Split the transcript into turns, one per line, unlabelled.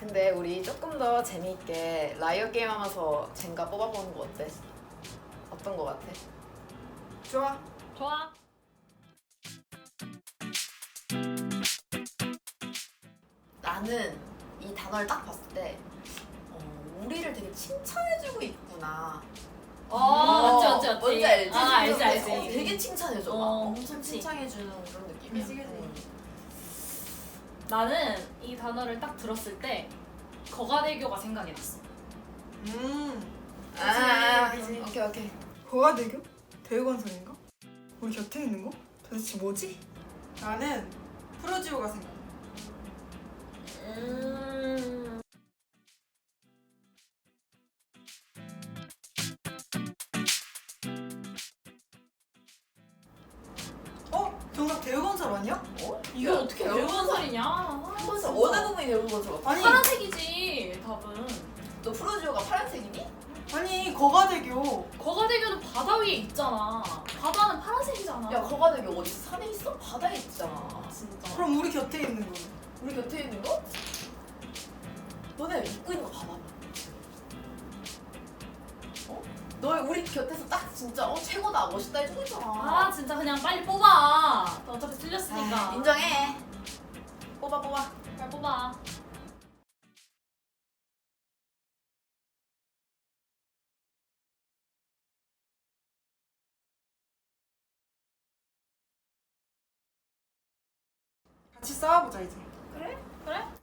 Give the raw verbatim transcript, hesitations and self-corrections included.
근데 우리 조금 더 재미있게 라이어 게임 하면서 젠가 뽑아보는 거 어때? 어떤 거 같아?
좋아.
좋아.
나는 이 단어를 딱 봤을 때 어, 우리를 되게 칭찬해주고 있구나.
어, 맞지, 맞지, 맞지.
뭔지 알지?
아, 알지, 알지.
어, 되게 칭찬해줘. 막
어,
엄청
그치.
칭찬해주는 그런 느낌이야.
그치, 그치.
음.
나는 이 단어를 딱 들었을 때 거가대교가 생각이 났어.
음.
아,
그치.
오케이 오케이.
거가대교? 대우건설인가? 우리 곁에 있는 거? 도대체 뭐지? 나는 프로지오가 생각나.
음.
어? 정답 대우건설 아니야?
어?
이게 어떻게 대우건설이냐?
대우건설 어느 부분이 대우건설 같아?
아니
파란색이지, 답은.
너 프로지오가 파란색이니?
아니 거가대교.
거가대교는 바다 위에 있잖아. 바다는 파란색이잖아.
야 거가대교 어디 산에 있어? 바다에 있잖아.
진짜.
그럼 우리 곁에 있는 거.
우리 곁에 있는 거? 너네 입고 있는 거 봐봐. 어? 너 우리 곁에서 딱 진짜 어 최고다 멋있다 해주고 있잖아.
아, 진짜 그냥 빨리 뽑아. 너 어차피 틀렸으니까.
아, 인정해. 뽑아 뽑아.
빨리 뽑아.
같이 싸워보자 이제.
그래?
그래?